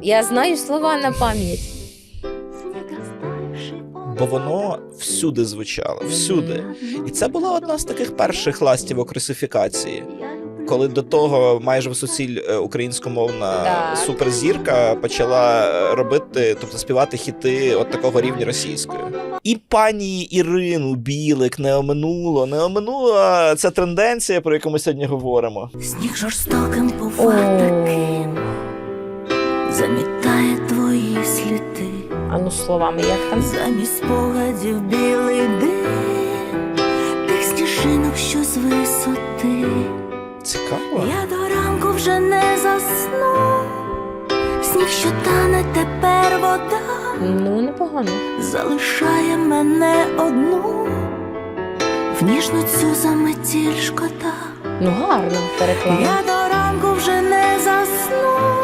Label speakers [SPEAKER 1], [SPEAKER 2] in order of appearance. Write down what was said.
[SPEAKER 1] Я знаю слова на пам'ять.
[SPEAKER 2] Бо воно всюди звучало, всюди. І це була одна з таких перших ластівок русифікації. Коли до того майже всуціль українськомовна
[SPEAKER 1] Так.
[SPEAKER 2] суперзірка почала робити, тобто співати хіти от такого рівня російською. І пані Ірину Білик не оминула ця тенденція, про яку ми сьогодні говоримо.
[SPEAKER 3] Сніг жорстоким бува таким, замітає твої сліди.
[SPEAKER 1] А ну словами, як там?
[SPEAKER 3] Замість спогадів білий дим, тих сніжинок, що з висоти.
[SPEAKER 2] Цікаво.
[SPEAKER 3] Я до ранку вже не засну, сніг, що тане, тепер вода,
[SPEAKER 1] Ну, непогано.
[SPEAKER 3] залишає мене одну, в ніжну цю заметіль шкода.
[SPEAKER 1] Ну, гарно переклала.
[SPEAKER 3] Я до ранку вже не засну,